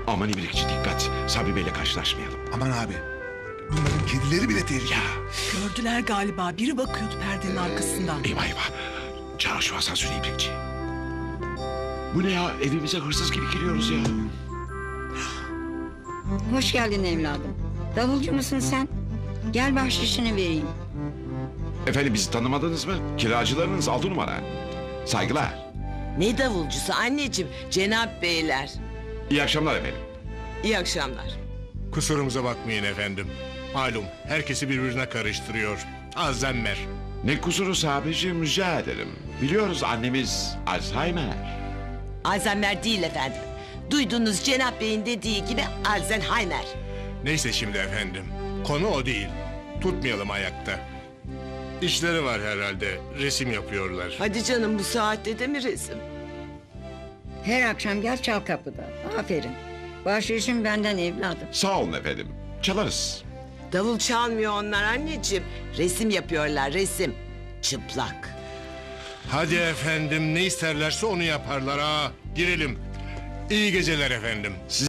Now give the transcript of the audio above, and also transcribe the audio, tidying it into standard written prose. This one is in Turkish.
Aman İbrikçi dikkat. Sabri Bey'le karşılaşmayalım. Aman abi. Bunların kedileri bile tehlikeli. Gördüler galiba. Biri bakıyordu perdenin arkasından. Eyvah eyvah. Çağır şu asansörü İbrikçi. Bu ne ya? Evimize hırsız gibi giriyoruz ya. Hoş geldin evladım. Davulcu musun sen? Gel bahşişini vereyim. Efendim bizi tanımadınız mı? Kiracılarınız 6 numara. Saygılar. Ne davulcusu anneciğim? Cenap beyler. İyi akşamlar efendim. İyi akşamlar. Kusurumuza bakmayın efendim. Malum herkesi birbirine karıştırıyor. Alzheimer. Ne kusuru sabicim rica ederim. Biliyoruz annemiz Alzheimer. Alzheimer değil efendim. Duyduğunuz Cenap Bey'in dediği gibi Alzheimer. Neyse şimdi efendim. Konu o değil. Tutmayalım ayakta. İşleri var herhalde. Resim yapıyorlar. Hadi canım bu saatte de mi resim? Her akşam gel çal kapıda. Aferin. Bahşişin benden evladım. Sağ olun efendim. Çalarız. Davul çalmıyor onlar anneciğim. Resim yapıyorlar resim. Çıplak. Hadi efendim ne isterlerse onu yaparlar ha. Girelim. İyi geceler efendim.